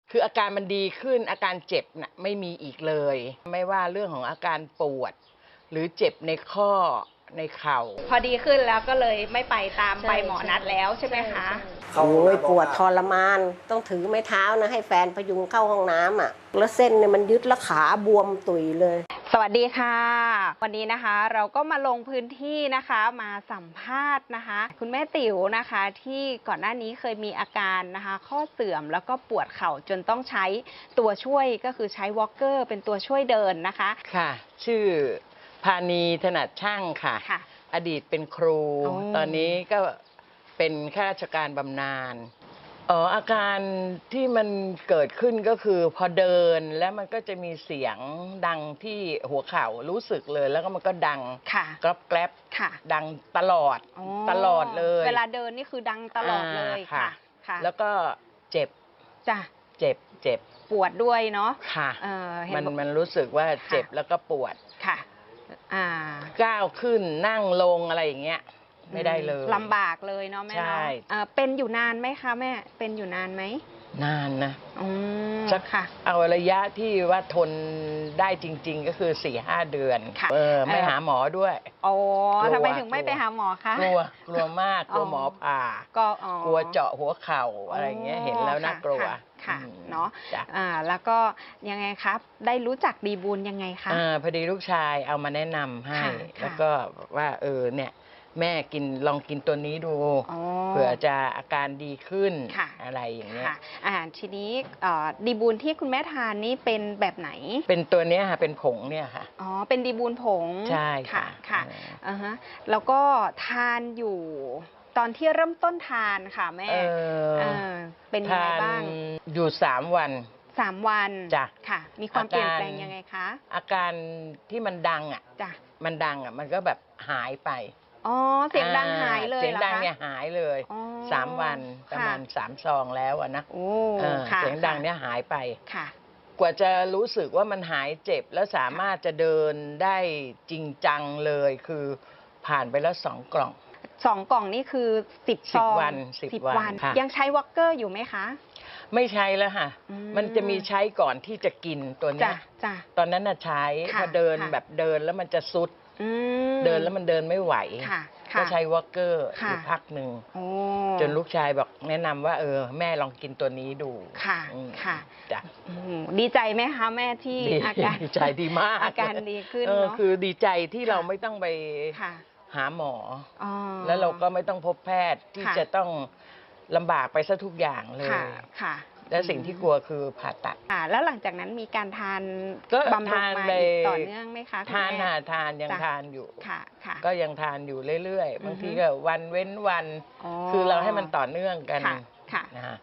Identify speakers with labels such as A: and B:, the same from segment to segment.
A: คืออาการมันดีขึ้นอาการเจ็บน่ะไม่มีอีกเลยไม่ว่าเรื่องของอาการปวดหรือเจ็บในข้อในเข่า
B: พอดีขึ้นแล้วก็เลยไม่ไปตามไปหมอนัดแล้วใช่ไหมคะ
C: โอ้ยปวดทรมานต้องถือไม้เท้านะให้แฟนพยุงเข้าห้องน้ำอ่ะแล้วเส้นเนี่ยมันยึดแล้วขาบวมตุยเลย
B: สวัสดีค่ะวันนี้นะคะเราก็มาลงพื้นที่นะคะมาสัมภาษณ์นะคะคุณแม่ติ๋วนะคะที่ก่อนหน้านี้เคยมีอาการนะคะข้อเสื่อมแล้วก็ปวดเข่าจนต้องใช้ตัวช่วยก็คือใช้วอล์กเกอร์เป็นตัวช่วยเดินนะคะ
A: ค่ะชื่อพานีถนัดช่างค่ะอดีตเป็นครูตอนนี้ก็เป็นข้าราชการบำนาญอาการที่มันเกิดขึ้นก็คือพอเดินแล้วมันก็จะมีเสียงดังที่หัวเข่ารู้สึกเลยแล้วก็มันก็ดังกรอบแกรบดังตลอดเลย
B: เวลาเดินนี่คือดังตลอดเลยค่ะ
A: แล้วก็เจ็บ
B: จ้ะ
A: เจ็บ
B: ปวดด้วยเนาะ
A: ค่ะมันรู้สึกว่าเจ็บแล้วก็ปวด
B: ค่ะ
A: ก้าวขึ้นนั่งลงอะไรอย่างเงี้ยไม่ได้เลย
B: ลำบากเลยเนาะแม่เนาะเป็นอยู่นานไหมคะแม่เป็นอยู่นานไหม
A: นานนะ
B: สักค่ะ
A: เอาระยะที่ว่าทนได้จริงๆก็คือ 4-5 เดือนไม่หาหมอด้วย
B: ทำไมถึงไม่ไปหาหมอคะ
A: กลัวมากกลัวหมอผ่ากลัวเจาะหัวเข่าอะไรเงี้ยเห็นแล้วน่ากลัว
B: ค่ะเนาะแล้วก็ยังไงครับได้รู้จักดีบูลยังไงคะ
A: พอดีลูกชายเอามาแนะนำให้แล้วก็ว่าเนี่ยแม่ลองกินตัวนี้ดูเผื่อจะอาการดีขึ้นอะไรอย่างเงี้ย
B: ทีนี้ดีบูลที่คุณแม่ทานนี่เป็นแบบไหน
A: เป็นตัวเนี้ยค่ะเป็นผงเนี่ยค่ะ
B: เป็นดีบูลผง
A: ใช่
B: ค่ะแล้วก็ทานอยู่ตอนที่เริ่มต้นทานค่ะแม่เป็นยังไงบ้าง
A: อยู่3 วัน
B: จ้ะค่ะมีความเปลี่ยนแปลงยังไงคะ
A: อาการที่มันดังมันก็แบบหายไป
B: เสียงดังหายเลย
A: เสียงดังเนี่ยหายเลย3 วันประมาณ3 ซองแล้วนะเสียงดังเนี่ยหายไปกว่าจะรู้สึกว่ามันหายเจ็บแล้วสามารถจะเดินได้จริงจังเลยคือผ่านไปแล้ว2 กล่อง
B: 2 กล่องนี่คือ10 ซอง
A: 10 วัน
B: ยังใช้วอล์กเกอร์อยู่ไหมคะ
A: ไม่ใช้แล้วค่ะมันจะมีใช้ก่อนที่จะกินตัวนี้ตอนนั้นน่ะใช้พอเดินแบบเดินแล้วมันจะซุดเดินแล้วมันเดินไม่ไหวก็ใช้วอล์กเกอร์อยู่พักหนึ่งจนลูกชายบอกแนะนำว่าแม่ลองกินตัวนี้ดู
B: ค่ะจ้ะดีใจไหมคะแม่ที่อาการ
A: ดีใจดีมาก
B: อาการดีขึ้นเนาะ
A: คือดีใจที่เราไม่ต้องไปหาหมอแล้วเราก็ไม่ต้องพบแพทย์ที่จะต้องลำบากไปซะทุกอย่างเลยและสิ่งที่กลัวคือผ่าตัด
B: แล้วหลังจากนั้นมีการทานบำรุงมาต่อเนื่องไหมคะ
A: ทานยังทานอยู่ก็ยังทานอยู่เรื่อยๆบางทีก็วันเว้นวันคือเราให้มันต่อเนื่องกันนะฮะ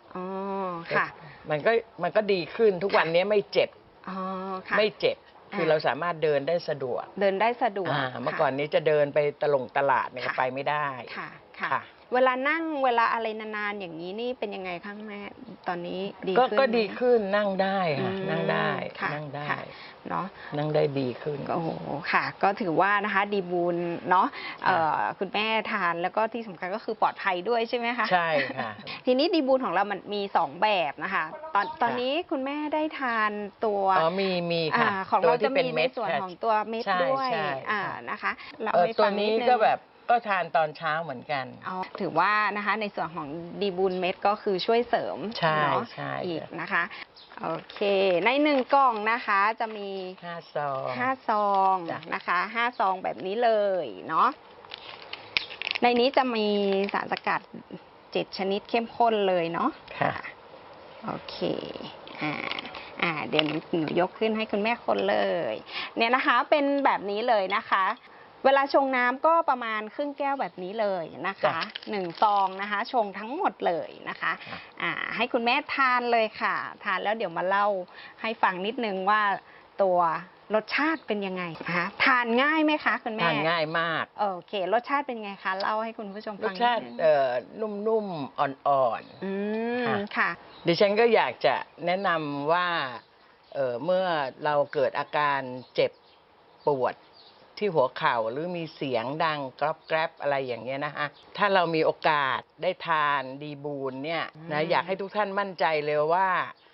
A: มันก็ดีขึ้นทุกวันนี้ไม่เจ็บคือเราสามารถเดินได้สะดวก
B: เ
A: มื่อก่อนนี้จะเดินไปตลาดเนี่ยไปไม่ได้
B: ค่ะเวลานั่งเวลาอะไรนานๆอย่างนี้นี่เป็นยังไงคะแม่ตอนนี้ดีขึ้น
A: ก็ดีขึ้นนั่งได้ค่ะนั่งได้
B: เนาะ
A: นั่งได้ดีขึ้น
B: โอ้โหค่ะก็ถือว่านะคะดีบูลเนาะคุณแม่ทานแล้วก็ที่สำคัญก็คือปลอดภัยด้วยใช่ไหมคะ
A: ใช่ค่ะ
B: ทีนี้ดีบูลของเรามันมี2 แบบนะคะตอนนี้คุณแม่ได้ทานตัว
A: มีค่ะ
B: ของเราจะมีในส่วนของตัวเม็ดด้วยนะคะ
A: ตัวนี้ก็แบบก็ทานตอนเช้าเหมือนกัน
B: ถือว่านะคะในส่วนของดีบูลเม็ดก็คือช่วยเสริมเนาะอีกนะคะโอเคใน1 กล่องนะคะจะมี5 ซองนะคะ5 ซองแบบนี้เลยเนาะในนี้จะมีสารสกัด7 ชนิดเข้มข้นเลยเนาะ
A: ค่ะ
B: โอเคเดี๋ยวหนูยกขึ้นให้คุณแม่คนเลยเนี่ยนะคะเป็นแบบนี้เลยนะคะเวลาชงน้ำก็ประมาณครึ่งแก้วแบบนี้เลยนะคะ1 ซองนะคะชงทั้งหมดเลยนะคะให้คุณแม่ทานเลยค่ะทานแล้วเดี๋ยวมาเล่าให้ฟังนิดนึงว่าตัวรสชาติเป็นยังไงนะคะทานง่ายไหมคะคุณแม่
A: ทานง่ายมาก
B: โอเครสชาติเป็นไงคะเล่าให้คุณผู้ชมฟัง
A: รสชาตินุ่มๆอ่อน
B: ๆค่ะ
A: ดิฉันก็อยากจะแนะนำว่าเมื่อเราเกิดอาการเจ็บปวดที่หัวเข่าหรือมีเสียงดังกรอบแกรบอะไรอย่างเงี้ยนะคะถ้าเรามีโอกาสได้ทานดีบูลเนี่ยนะอยากให้ทุกท่านมั่นใจเลยว่า